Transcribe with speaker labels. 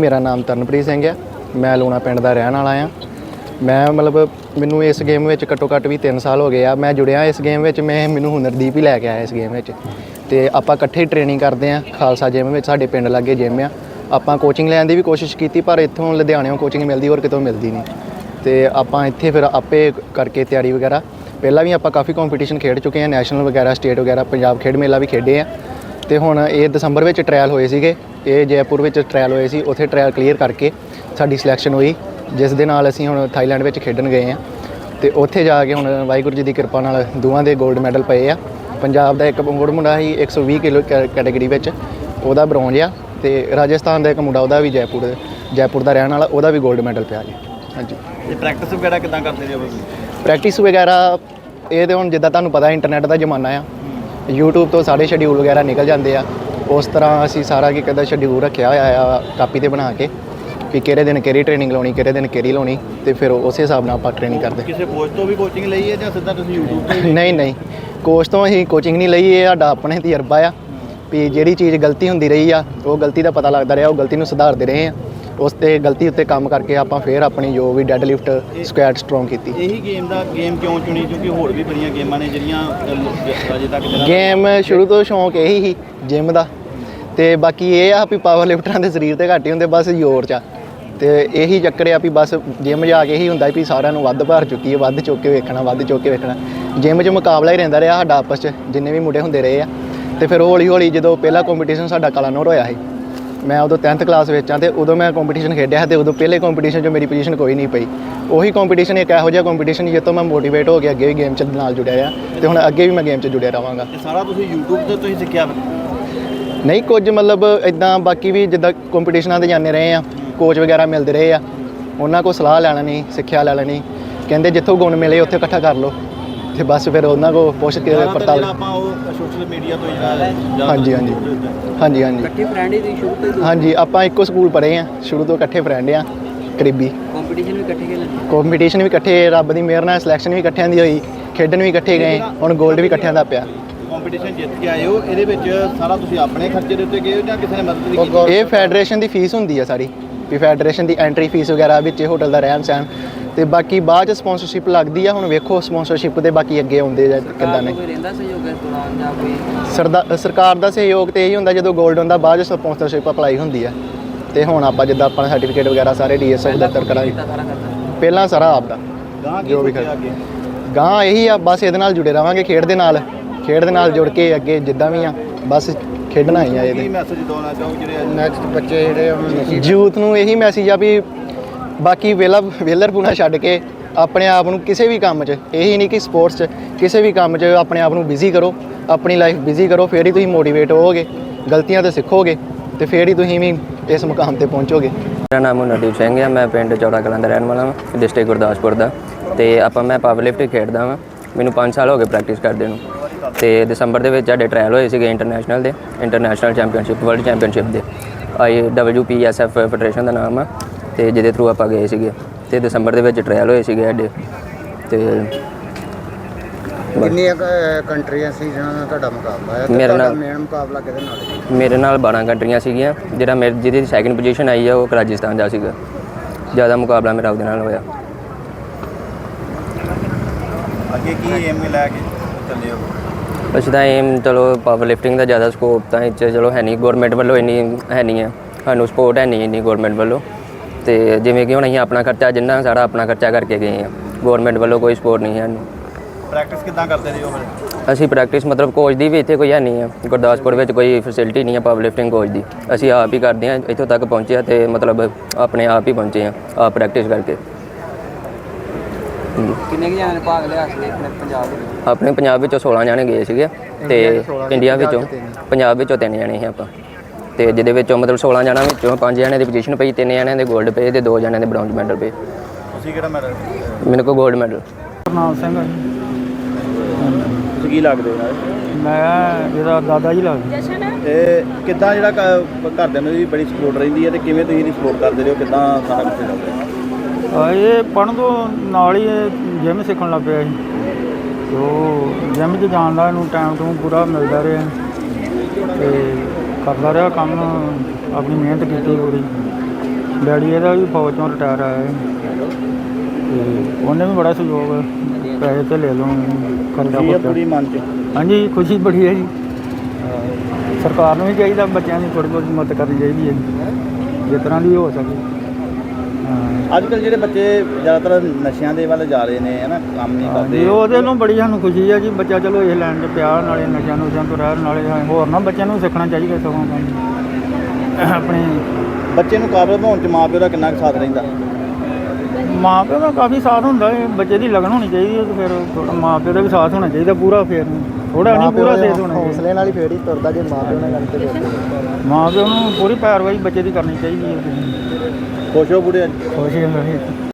Speaker 1: मेरा नाम तरनप्रीत सिंह है। मैं लूणा पिंड का रहने वाला हाँ। मैं मतलब मैनू इस गेम में घट्टो घट्ट भी 3 साल हो गए आ। मैं जुड़िया इस गेम में, मैं मैनू हुनरदीप ही लैके आया इस गेम में। तो आपां इकट्ठे ट्रेनिंग करते हैं खालसा जिम में, साडे पिंड लागे जिम आ। आपां कोचिंग लैण दी भी कोशिश की पर इत्थों लुधियाणों कोचिंग मिलती और कितों मिलती नहीं। तो आपां इत्थे फिर आपे करके तैयारी वगैरह पहला भी आपां काफ़ी कॉम्पीटिशन खेड चुके हैं, नैशनल वगैरह स्टेट वगैरह पंजाब खेड मेला भी खेडे हैं। तो हुण ये दसंबर में ट्रायल होए सीगे, ये जयपुर में ट्रायल होए सी, उत्थे ट्रायल क्लीयर करके साडी सिलैक्शन हुई, जिस दे नाल असीं हुण थाईलैंड में खेडन गए हैं। तो उत्थे जाके हुण वाहिगुरू जी की कृपा नाल दोवां दे गोल्ड मैडल पे आ। पंजाब का एक मुंडा ही 120 किलो कैटेगरी में उहदा ब्रॉन्ज आ, तो राजस्थान का एक मुंडा उहदा भी जयपुर का रहने वाला, उहदा भी गोल्ड मैडल पिया जी। हाँ जी।
Speaker 2: प्रैक्टिस वगैरह किदां करते हो?
Speaker 1: प्रैक्टिस वगैरह ये तो हुण जिद्दां तुहानूं पता इंटरनेट का जमाना आ, यूट्यूब तो सारे शेड्यूल वगैरह निकल जाते हैं। उस तरह असी सारा की कहता शेड्यूल रखा हुआ कापी ते बना के कि किहड़े दिन किहड़ी ट्रेनिंग लाउणी, किहड़े दिन किहड़ी लाउणी, तो फिर उस हिसाब नाल आपां ट्रेनिंग करते।
Speaker 2: किसी कोच तो भी कोचिंग लई है जां सीधा तुसीं यूट्यूब ते?
Speaker 1: नहीं कोच तो असीं कोचिंग नहीं लई, ये साडा अपने तजर्बा आ भी जिहड़ी चीज़ गलती हुंदी रही आ वो गलती का पता लगता रहा, वो गलती नूं सुधारते रहे हैं। उस ते गलती उत्ते काम करके आपां फिर अपनी जो भी डेड लिफ्ट स्क्वैट स्ट्रोंग की।
Speaker 2: यही गेम क्यों चुनी? क्योंकि होर भी बड़ियां गेमां ने जिहड़ियां अजे तक
Speaker 1: गेम शुरू तो शौक यही ही जिम का, तो बाकी ये आ भी पावर लिफ्टरां दे शरीर ते घट ही हुंदे, बस जोर च। तो यही चक्कर आ भी बस जिम जाके ही हुंदा भी सारिਆਂ ਨੂੰ ਵੱਧ भार चुकी है, ਵੱਧ चुक के वेखना, ਵੱਧ चुक के वेखना। जिम 'ਚ मुकाबला ही रहिंदा रहा साडा आपस 'ਚ, जिन्ने भी मुंडे हुंदे रहे आ। तो फिर हौली हौली जो पहला कॉम्पीटिशन साडा कलानौर होया है, मैं उदों 10th क्लास में तो उदों मैं कॉम्पीटिशन खेडिया, तो उदों पहले कॉम्पीटिशन मेरी पोजीशन कोई नहीं पई। उही कॉम्पीटिशन एक इहो जिहा कॉम्पीटिशन जित्तों मैं मोटिवेट हो गया, अगे भी गेम च नाल जुड़िया आ, तो हुण अगे भी मैं गेम च जुड़िया रहांगा।
Speaker 2: सारा तुसीं यूट्यूब ते तुसीं सिੱਖਿਆ?
Speaker 1: नहीं कुछ मतलब इदां बाकी भी जिद्दां कॉम्पीटिशनां ते जाने रहे हैं, कोच वगैरह मिलते रहे आ, उन्होंने को सलाह लै लैनी, सिक्ख्या लै लैनी, कहते जिੱਥੋਂ गुण मिले उत्थे इकट्ठा कर लो, तो बस फिर उन्होंने को पुछ के पड़ताल।
Speaker 2: सोशल मीडिया तो
Speaker 1: हाँ जी हाँ जी हाँ जी हाँ जी हाँ जी, आप एको स्कूल पढ़े हैं, शुरू तो इकट्ठे फ्रेंड आ करीबी। कॉम्पीटिशन भी इकट्ठे, रब की मेहर नाल सिलैक्शन भी इकट्ठियां दी होई, खेडन भी इकट्ठे गए, हुण गोल्ड भी इकट्ठियां दा पिया।
Speaker 2: कॉम्पीटिशन जित के आए हो, ਇਹਦੇ ਵਿੱਚ ਸਾਰਾ ਤੁਸੀਂ ਆਪਣੇ ਖਰਚੇ ਦੇ ਉੱਤੇ ਗਏ ਹੋ ਜਾਂ ਕਿਸੇ ਨੇ ਮਦਦ ਕੀਤੀ?
Speaker 1: ਇਹ ਫੈਡਰੇਸ਼ਨ ਦੀ ਫੀਸ ਹੁੰਦੀ ਆ ਸਾਰੀ, ਵੀ ਫੈਡਰੇਸ਼ਨ ਦੀ ਐਂਟਰੀ ਫੀਸ ਵਗੈਰਾ ਵਿੱਚ ਹੋਟਲ ਦਾ ਰਹਿਣ ਸਹਿਣ, ਤੇ ਬਾਕੀ ਬਾਅਦ ਚ ਸਪਾਂਸਰਸ਼ਿਪ ਲੱਗਦੀ ਆ। ਹੁਣ ਵੇਖੋ ਸਪਾਂਸਰਸ਼ਿਪ ਦੇ ਬਾਕੀ ਅੱਗੇ ਆਉਂਦੇ ਜਾਂ ਕਿੱਦਾਂ ਨੇ। ਸਰਕਾਰ ਦਾ ਸਹਿਯੋਗ ਤੇ ਇਹੀ ਹੁੰਦਾ ਜਦੋਂ ਗੋਲਡ ਹੁੰਦਾ, ਬਾਅਦ ਚ ਸਪਾਂਸਰਸ਼ਿਪ ਅਪਲਾਈ ਹੁੰਦੀ ਆ। ਤੇ ਹੁਣ ਆਪਾਂ ਜਿੱਦਾਂ ਆਪਣਾ ਸਰਟੀਫਿਕੇਟ ਵਗੈਰਾ ਸਾਰੇ ਡੀਐਸਐਫ ਦਫ਼ਤਰ ਕਰਾਂਗੇ, ਪਹਿਲਾਂ ਸਾਰਾ ਆਪਦਾ ਜੋ ਵੀ ਗਾਂ ਇਹੀ ਆ। ਬਸ ਇਹਦੇ ਨਾਲ ਜੁੜੇ ਰਵਾਂਗੇ, ਖੇਡ ਦੇ ਨਾਲ ਜੁੜ ਕੇ ਅੱਗੇ ਜਿੱਦਾਂ ਵੀ ਆ ਬਸ ਖੇਡਣਾ ਹੀ ਆ। ਇਹਦੇ
Speaker 2: ਮੈਸੇਜ ਦੇਣਾ ਚਾਹੋ ਜਿਹੜੇ ਨੈਕਸਟ ਬੱਚੇ ਜਿਹੜੇ
Speaker 1: ਯੂਥ ਨੂੰ ਇਹੀ ਮੈਸੇਜ ਆ ਵੀ ਬਾਕੀ ਵੇਲਰਪੂਣਾ ਛੱਡ ਕੇ ਆਪਣੇ ਆਪ ਨੂੰ ਕਿਸੇ ਵੀ ਕੰਮ 'ਚ, ਇਹੀ ਨਹੀਂ ਕਿ ਸਪੋਰਟਸ 'ਚ, ਕਿਸੇ ਵੀ ਕੰਮ 'ਚ ਆਪਣੇ ਆਪ ਨੂੰ ਬਿਜ਼ੀ ਕਰੋ, ਆਪਣੀ ਲਾਈਫ ਬਿਜ਼ੀ ਕਰੋ, ਫਿਰ ਹੀ ਤੁਸੀਂ ਮੋਟੀਵੇਟ ਹੋਵੋਗੇ, ਗਲਤੀਆਂ ਤੋਂ ਸਿੱਖੋਗੇ ਤੇ ਫਿਰ ਹੀ ਤੁਸੀਂ ਵੀ ਇਸ ਮੁਕਾਮ ਤੇ ਪਹੁੰਚੋਗੇ।
Speaker 3: ਮੇਰਾ ਨਾਮ ਹੁਨਰਦੀਪ ਸਿੰਘ ਹੈ, ਮੈਂ ਪਿੰਡ ਚੌੜਾ ਕਲਾਂ ਦਾ ਰਹਿਣ ਵਾਲਾ ਹਾਂ, ਡਿਸਟ੍ਰਿਕਟ ਗੁਰਦਾਸਪੁਰ ਦਾ। ਤੇ ਮੈਂ ਪਾਵਰ ਲਿਫਟ ਖੇਡਦਾ ਵਾਂ, ਮੈਨੂੰ 5 ਸਾਲ ਹੋ ਗਏ ਪ੍ਰੈਕਟਿਸ ਕਰਦੇ ਨੂੰ। ਤੇ ਦਸੰਬਰ ਦੇ ਵਿੱਚ ਸਾਡੇ ਟਰਾਇਲ ਹੋਏ ਸੀਗੇ ਇੰਟਰਨੈਸ਼ਨਲ ਚੈਂਪੀਅਨਸ਼ਿਪ, ਵਰਲਡ ਚੈਂਪੀਅਨਸ਼ਿਪ ਦੇ, IWPSF ਫੈਡਰੇਸ਼ਨ ਦਾ ਨਾਮ ਆ, ਤੇ ਜਿਹਦੇ ਥਰੂ ਆਪਾਂ ਗਏ ਸੀਗੇ। ਤੇ ਦਸੰਬਰ ਦੇ ਵਿੱਚ ਟਰਾਇਲ ਹੋਏ ਸੀਗੇ ਸਾਡੇ। ਤੇ
Speaker 4: ਕਿੰਨੀਆਂ ਕੰਟਰੀਆਂ ਸੀ ਜਿਹਨਾਂ ਨਾਲ ਤੁਹਾਡਾ ਮੁਕਾਬਲਾ ਹੈ?
Speaker 3: ਮੇਰੇ ਨਾਲ
Speaker 4: ਮੇਨ ਮੁਕਾਬਲਾ ਕਿਹਦੇ ਨਾਲ ਸੀ?
Speaker 3: ਮੇਰੇ ਨਾਲ 12 ਕੰਟਰੀਆਂ ਸੀਗੀਆਂ, ਜਿਹਦੀ ਸੈਕਿੰਡ ਪੋਜੀਸ਼ਨ ਆਈ ਆ ਉਹ ਰਾਜਸਥਾਨ ਦਾ ਸੀਗਾ। ਜ਼ਿਆਦਾ ਮੁਕਾਬਲਾ ਮੇਰਾ ਉਹਦੇ ਨਾਲ ਹੋਇਆ।
Speaker 2: ਅੱਗੇ ਕੀ ਏਮ ਲੈ ਕੇ ਚੱਲੇ ਹੋ?
Speaker 3: ਅਸੀਂ ਤਾਂ ਏਮ ਚਲੋ ਪਾਵਰ ਲਿਫਟਿੰਗ ਦਾ ਜ਼ਿਆਦਾ ਸਕੋਪ ਤਾਂ ਇਹ 'ਚ ਚਲੋ ਹੈ ਨਹੀਂ, ਗੌਰਮੈਂਟ ਵੱਲੋਂ ਇੰਨੀ ਹੈ ਨਹੀਂ ਆ, ਸਾਨੂੰ ਸਪੋਰਟ ਹੈ ਨਹੀਂ ਇੰਨੀ ਗੌਰਮੈਂਟ ਵੱਲੋਂ। ਤੇ ਜਿਵੇਂ ਕਿ ਹੁਣ ਅਸੀਂ ਆਪਣਾ ਖਰਚਾ ਜਿੰਨਾ ਸਾਰਾ ਆਪਣਾ ਖਰਚਾ ਕਰਕੇ ਗਏ ਆ, ਗੌਰਮੈਂਟ ਵੱਲੋਂ ਕੋਈ ਸਪੋਰਟ ਨਹੀਂ ਹੈ ਸਾਨੂੰ।
Speaker 2: ਪ੍ਰੈਕਟਿਸ ਕਿੱਦਾਂ ਕਰਦੇ ਰਹੇ ਹੋ ਫਿਰ?
Speaker 3: ਅਸੀਂ ਪ੍ਰੈਕਟਿਸ ਮਤਲਬ ਕੋਚ ਦੀ ਵੀ ਇੱਥੇ ਕੋਈ ਹੈ ਨਹੀਂ ਆ, ਗੁਰਦਾਸਪੁਰ ਵਿੱਚ ਕੋਈ ਫੈਸਿਲਿਟੀ ਨਹੀਂ ਆ ਪਾਵਰ ਲਿਫਟਿੰਗ ਕੋਚ ਦੀ। ਅਸੀਂ ਆਪ ਹੀ ਕਰਦੇ ਹਾਂ, ਇੱਥੋਂ ਤੱਕ ਪਹੁੰਚੇ ਆ ਤੇ ਮਤਲਬ ਆਪਣੇ ਆਪ ਹੀ ਪਹੁੰਚੇ ਆ, ਆਪ ਪ੍ਰੈਕਟਿਸ ਕਰਕੇ।
Speaker 4: ਕਿੰਨੇ ਕੁ ਜਣਿਆਂ ਨੇ ਭਾਗ ਲਿਆ ਸੀ ਆਪਣੇ ਪੰਜਾਬ ਵਿੱਚ?
Speaker 3: ਆਪਣੇ ਪੰਜਾਬ ਵਿੱਚੋਂ 16 ਜਣੇ ਗਏ ਸੀਗੇ, ਤੇ ਇੰਡੀਆ ਵਿੱਚੋਂ ਪੰਜਾਬ ਵਿੱਚੋਂ 3 ਜਣੇ ਸੀ ਆਪਾਂ। ਤੇ ਜਿਹਦੇ ਵਿੱਚੋਂ ਮਤਲਬ 16 ਜਣਾਂ ਵਿੱਚੋਂ 5 ਜਣਿਆਂ ਦੀ ਪੋਜੀਸ਼ਨ ਪਈ, 3 ਜਣਿਆਂ ਦੇ 골ਡ ਪਏ ਤੇ 2 ਜਣਿਆਂ ਦੇ ਬ੍ਰੌਂਜ਼ ਮੈਡਲ ਪਏ।
Speaker 2: ਤੁਸੀਂ ਕਿਹੜਾ ਮੈਡਲ?
Speaker 3: ਮੈਨੂੰ ਕੋਲ 골ਡ ਮੈਡਲ।
Speaker 5: ਨਾਮ ਸਿੰਘ
Speaker 2: ਤੁਸੀਂ ਕੀ ਲੱਗਦੇ ਹੋ?
Speaker 5: ਮੈਂ ਇਹਦਾ ਦਾਦਾ ਜੀ ਲੱਗਦਾ।
Speaker 2: ਤੇ ਕਿੱਦਾਂ ਜਿਹੜਾ ਘਰਦਿਆਂ ਨੂੰ ਵੀ ਬੜੀ ਸਪੋਰਟ ਰਹਿੰਦੀ ਹੈ, ਤੇ ਕਿਵੇਂ ਤੁਸੀਂ ਇਹਦੀ ਸਪੋਰਟ ਕਰਦੇ ਰਹੇ ਹੋ? ਕਿੱਦਾਂ ਸਾਰਾ ਕੁਝ ਚੱਲਦਾ?
Speaker 5: ਇਹ ਪੜ੍ਹਨ ਤੋਂ ਨਾਲ ਹੀ ਜਿਮ ਸਿੱਖਣ ਲੱਗ ਪਿਆ ਸੀ, ਉਹ ਜਿਮ 'ਚ ਜਾਣ ਦਾ ਇਹਨੂੰ ਟਾਈਮ ਟੂ ਪੂਰਾ ਮਿਲਦਾ ਰਿਹਾ ਤੇ ਕਰਦਾ ਰਿਹਾ ਕੰਮ, ਆਪਣੀ ਮਿਹਨਤ ਕੀਤੀ ਪੂਰੀ। ਡੈਡੀ ਇਹਦਾ ਵੀ ਫੌਜ ਤੋਂ ਰਿਟਾਇਰ ਆਇਆ ਹੈ ਤੇ ਉਹਨੇ ਵੀ ਬੜਾ ਸਹਿਯੋਗ ਪੈਸੇ ਤੇ ਲੈ ਲਓ ਖਰਚਾ
Speaker 2: ਖੁਸ਼ੀ ਹੈ
Speaker 5: ਖੁਰਚਾ।
Speaker 2: ਪੂਰੀ ਮਨ 'ਚ
Speaker 5: ਹਾਂਜੀ ਖੁਸ਼ੀ ਬੜੀ ਹੈ ਜੀ ਸਰਕਾਰ ਨੂੰ ਵੀ ਚਾਹੀਦਾ ਬੱਚਿਆਂ ਦੀ ਥੋੜ੍ਹੀ ਬਹੁਤ ਮਦਦ ਕਰਨੀ ਚਾਹੀਦੀ ਹੈ ਜਿਸ ਤਰ੍ਹਾਂ ਦੀ ਹੋ ਸਕੇ ਹਾਂ
Speaker 2: ਅੱਜ ਕੱਲ੍ਹ ਜਿਹੜੇ ਬੱਚੇ ਜ਼ਿਆਦਾਤਰ ਨਸ਼ਿਆਂ ਦੇ ਵੱਲ ਜਾ ਰਹੇ ਨੇ ਹੈ ਨਾ, ਕੰਮ ਨਹੀਂ
Speaker 5: ਜੀ
Speaker 2: ਕਰਦੇ।
Speaker 5: ਉਹਦੇ ਨੂੰ ਬੜੀ ਸਾਨੂੰ ਖੁਸ਼ੀ ਹੈ ਜੀ ਬੱਚਾ ਚਲੋ ਇਹ ਲੈਣ 'ਚ ਪਿਆ ਨਾਲੇ ਨਸ਼ਿਆਂ ਨੁਸ਼ਿਆਂ ਤੋਂ ਰਹਿਣ ਨਾਲੇ ਹੋਰ ਨਾ ਬੱਚਿਆਂ ਨੂੰ ਸਿੱਖਣਾ ਚਾਹੀਦਾ ਸਗੋਂ ਕੰਮ ਆਪਣੇ
Speaker 2: ਬੱਚੇ ਨੂੰ ਕਾਬਲ ਬਣਾਉਣ 'ਚ ਮਾਂ ਪਿਓ ਦਾ ਕਿੰਨਾ ਕੁ ਸਾਥ ਰਹਿੰਦਾ?
Speaker 5: ਮਾਂ ਪਿਓ ਦਾ ਕਾਫੀ ਸਾਥ ਹੁੰਦਾ ਹੈ ਬੱਚੇ ਦੀ ਲਗਨ ਹੋਣੀ ਚਾਹੀਦੀ ਹੈ ਤੇ ਫਿਰ ਥੋੜ੍ਹਾ ਮਾਂ ਪਿਓ ਦਾ ਵੀ ਸਾਥ ਹੋਣਾ ਚਾਹੀਦਾ ਪੂਰਾ ਫਿਰ ਥੋੜਾ ਨਹੀਂ ਪੂਰਾ ਸਾਥ ਹੋਣਾ ਚਾਹੀਦਾ
Speaker 1: ਹੌਸਲੇ ਨਾਲ ਹੀ ਫੇਰ ਹੀ ਤੁਰਦਾ ਜੇ ਮਾਂ ਪਿਓ ਨਾਲ ਗੱਲ ਤੇ
Speaker 5: ਮਾਂ ਪਿਓ ਨੂੰ ਪੂਰੀ ਪੈਰਵਾਈ ਬੱਚੇ ਦੀ ਕਰਨੀ ਚਾਹੀਦੀ ਹੈ
Speaker 2: ਖੁਸ਼ ਹੋ ਬੁੜੇ ਅੱਜ?
Speaker 5: ਖੁਸ਼ ਹੈ